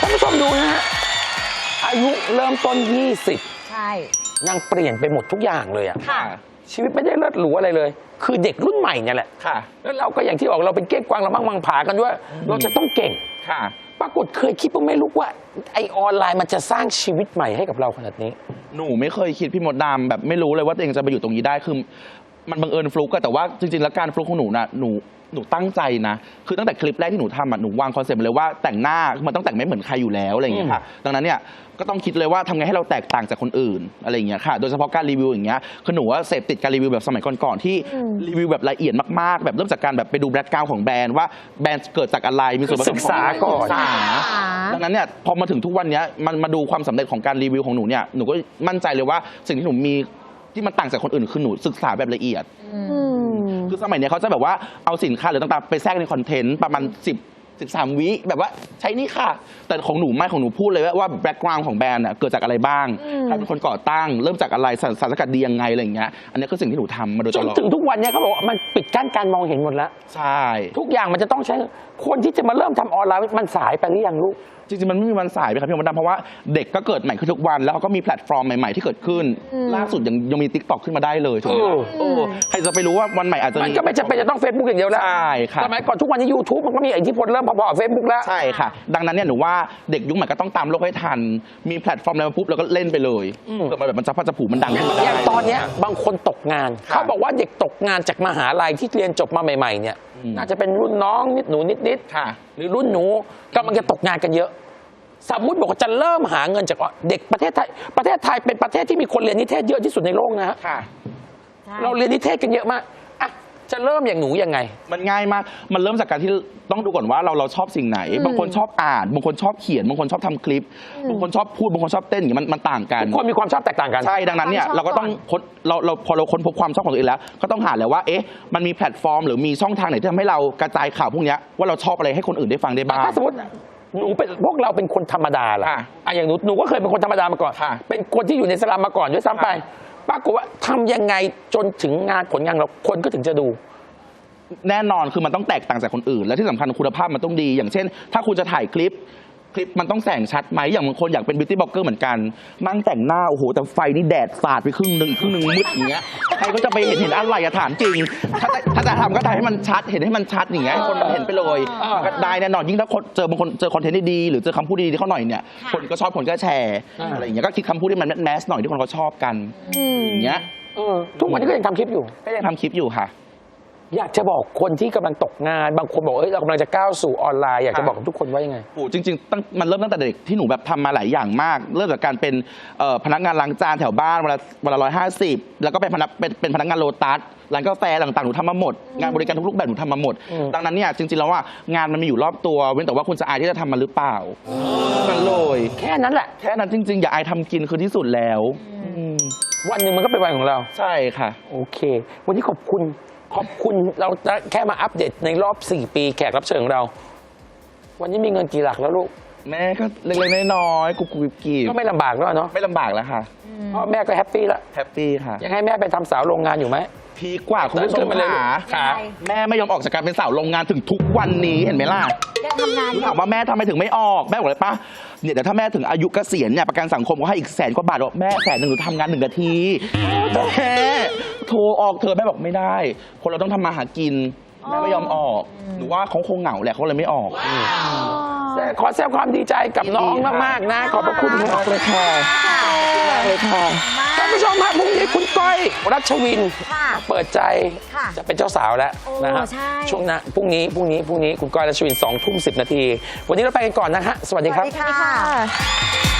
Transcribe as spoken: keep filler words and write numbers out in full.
านผู้ชมดูนะฮะอายุเริ่มต้นยี่สิบใช่นางเปลี่ยนไปหมดทุกอย่างเลยอะค่ะชีวิตไม่ได้เลิศหรูอะไรเลย คือเด็กรุ่นใหม่เนี่ยแหละค่ะแล้วเราก็อย่างที่บอกเราเป็นเก้งกวางเรามั่งมังผากันด้วยเราจะต้องเก่งค่ะปรากฏเคยคิดว่าไม่รู้ว่าไอออนไลน์มันจะสร้างชีวิตใหม่ให้กับเราขนาดนี้หนูไม่เคยคิดพี่มดดำแบบไม่รู้เลยว่าตัวเองจะไปอยู่ตรงนี้ได้คือมันบังเอิญฟลุกอะแต่ว่าจริงๆแล้วการฟลุกของหนูน่ะหนูหนูตั้งใจนะคือตั้งแต่คลิปแรกที่หนูทำอะหนูวางคอนเซ็ปต์เลยว่าแต่งหน้ามันต้องแต่งไม่เหมือนใครอยู่แล้วอะไรอย่างเงี้ยค่ะดังนั้นเนี่ยก็ต้องคิดเลยว่าทำไงให้เราแตกต่างจากคนอื่นอะไรอย่างเงี้ยค่ะโดยเฉพาะการรีวิวอย่างเงี้ยคือหนูว่าเสพติดการรีวิวแบบสมัยก่อนๆที่รีวิวแบบละเอียดมากๆแบบเริ่มจากการแบบไปดูแบ็คกราวด์ของแบรนด์ว่าแบรนด์เกิดจากอะไรมีส่วนผสมศึกษาก่อนดังนั้นเนี่ยพอมาถึงทุกวันนี้มันมาดูความสำเร็จของการรีวิวของหนูเนี่ยหนูก็มั่นใจเลยว่าสิ่งที่หนูมีที่มันต่างจากคนอื่นคือหนูศึกษาแบบละเอียดคือสมัยนี้เขาจะแบบว่าเอาสินค้าหรือต่างๆไปแทรกในคอนเทนต์ประมาณสิบ สิบสามวิแบบว่าใช้นี่ค่ะแต่ของหนูไม่ของหนูพูดเลยว่าแบ็กกราวด์ของแบรนด์เกิดจากอะไรบ้างใครเป็นคนก่อตั้งเริ่มจากอะไรสารสกัดดียังไงอะไรอย่างเงี้ยอันนี้คือสิ่งที่หนูทำมาโดยตลอดจนถึงทุกวันนี้เขาบอกว่ามันปิดกั้นการมองเห็นหมดแล้วใช่ทุกอย่างมันจะต้องใช้คนที่จะมาเริ่มทำออนไลน์มันสายไปหรือยังลูกจริงๆมันไม่มีวันสายไปครับพี่มดดำเพราะว่าเด็กก็เกิดใหม่ขึ้นทุกวันแล้วเขาก็มีแพลตฟอร์มใหม่ๆที่เกิดขึ้นล่าสุดยังยังมี ติ๊กต็อก ขึ้นมาได้เลยถูกไหมโอ้ใครจะไปรู้ว่าวันใหม่อาจจะมันก็ไม่จำเป็นจะต้องเฟซบุ๊กอย่างเดียวแล้วใช่ค่ะสมัยก่อนทุกวันนี้ยูทูบมันก็มีอิทธิพลเริ่มพอๆกับเฟซบุ๊กแล้วใช่ค่ะดังนั้นเนี่ยหนูว่าเด็กยุคใหม่ก็ต้องตามโลกให้ทันมีแพลตฟอร์มอะไรมาปุ๊บแล้วก็เล่นไปเลยเพื่อมาแบบมันจะพัฒผูมันดังขึ้นมาได้อย่างตอนนี้บางคนตกงานเขาบอกว่าเด็กตกงานจากมหาลัยที่เรียนจบมาใหม่ๆเนี่ยน่าจะเป็นรุ่นน้องนิดหนูนิดๆหรือรุ่นหนูกำลังจะตกงานกันเยอะสมมุติบอกว่าจะเริ่มหาเงินจากเด็กประเทศไทยประเทศไทยเป็นประเทศที่มีคนเรียนนิเทศเยอะที่สุดในโลกนะฮะเราเรียนนิเทศกันเยอะมากอ่ะจะเริ่มอย่างหนูยังไงมันง่ายมากมันเริ่มจากการที่ต้องดูก่อนว่าเราเราชอบสิ่งไหนบางคนชอบอ่านบางคนชอบเขียนบางคนชอบทำคลิปบางคนชอบพูดบางคนชอบเต้นอย่างนี้มันมันต่างกันทุกคนมีความชอบแตกต่างกันใช่ดังนั้นเนี่ยเราก็ต้องเราเราพอเราค้นพบความชอบของตัวเองแล้วก็ต้องหาแล้วว่าเอ๊ะมันมีแพลตฟอร์มหรือมีช่องทางไหนที่ทำให้เรากระจายข่าวพวกนี้ว่าเราชอบอะไรให้คนอื่นได้ฟังได้บ้างถ้าสมมติหนูเป็นพวกเราเป็นคนธรรมดาล่ะอ่ะอย่างหนูหนูก็เคยเป็นคนธรรมดามาก่อนเป็นคนที่อยู่ในสลัมมาก่อนด้วยซ้ำไปปรากฏว่าทำยังไงจนถึงงานผลงานเราคนก็ถึงจะดูแน่นอนคือมันต้องแตกต่างจากคนอื่นและที่สำคัญคุณภาพมันต้องดีอย่างเช่นถ้าคุณจะถ่ายคลิปคลิปมันต้องแสงชัดไหมอย่างบางคนอยากเป็นบิวตี้บล็อกเกอร์เหมือนกันมั่งแต่งหน้าโอ้โหแต่ไฟนี่แดดสาดไปครึ่งหนึ่งครึ่งหนึ่งมืดอย่างเงี้ยใครก็จะไปเห็นเห็นอะไรอะถามจริงถ้าถ้าจะทำก็ถ่ายให้มันชัดเห็นให้มันชัดอย่างเงี้ยคนมันเห็นไปเลยก็ได้แน่นอนยิ่งถ้าเจอบางคนเจอคอนเทนต์ดีๆหรือเจอคำพูดดีๆเขาหน่อยเนี่ยคนก็ชอบคนก็แชร์อะไรอย่างเงี้ยก็คิดคำพูดที่มันแมสหน่อยที่คนเขาชอบกันอย่างเงี้ยทุกวันนี้ก็ยังทำคลิปอยู่ก็ยังทำคลิปอยู่ค่ะอยากจะบอกคนที่กำลังตกงานบางคนบอกเอ้ยเรากำลังจะก้าวสู่ออนไลน์อยากจะบอกกับทุกคนว่ายังไงโอ้จริงๆตั้งมันเริ่มตั้งแต่เด็กที่หนูแบบทำมาหลายอย่างมากเริ่มจากการเป็นพนักงานล้างจานแถวบ้านวันละวันละร้อยห้าสิบแล้วก็เป็นพนักเป็นเป็นพนักงานโลตัสร้านกาแฟต่างๆหนูทำมาหมดงานบริการทุกรูปแบบหนูทำมาหมดดังนั้นเนี่ยจริงๆแล้วว่างานมันมีอยู่รอบตัวเว้นแต่ว่าคุณจะอายที่จะทำมันหรือเปล่านั่นเลยแค่นั้นแหละแค่นั้นจริงๆอย่าอายทำกินคือที่สุดแล้ววันหนึ่งมันก็เป็นวันของเราใช่ค่ะโอเควันนี้ขอบคุณขอบคุณเราแค่มาอัปเดตในรอบสี่ปีแขกรับเชิญของเราวันนี้มีเงินกี่หลักแล้วลูกแม่ก็เล็กๆน้อยๆกุบกุบกีบก็ไม่ลำบากแล้วเนาะไม่ลำบากแล้วค่ะพ่อแม่ก็แฮปปี้แล้วแฮปปี้ค่ะยังให้แม่ไปทำสาวโรงงานอยู่ไหมพีกว่าคุณผู้ชมขาแม่ไม่ยอมออกจากการเป็นสาวโรงงานถึงทุกวันนี้เห็นไหมล่ะได้ทำงานถามว่าแม่ทำไมถึงไม่ออกแม่บอกเลยป่ะเนี่ยเดี๋ยวถ้าแม่ถึงอายุเกษียณเนี่ยประกันสังคมก็ให้อีกแสนกว่าบาทบอกแม่แสนหนึ่งหนูทำงานหนึ่งนาทีแม่โทรออกเธอแม่บอกไม่ได้คนเราต้องทำมาหากินแม่ไม่ยอมออกหนูว่าเขาคงเหงาแหละเขาเลยไม่ออกขอแสดงความดีใจกับน้องมากๆนะขอบพระคุณมากเลยค่ะเลยค่ะท่านผู้ชมครับพรุ่งนี้คุณก้อยรัชวินเปิดใจจะเป็นเจ้าสาวแล้วนะฮะช่วงนั้นพรุ่งนี้พรุ่งนี้พรุ่งนี้คุณก้อยรัชวินสองทุ่มสิบนาทีวันนี้เราไปกันก่อนนะฮะสวัสดีครับสวัสดีค่ะ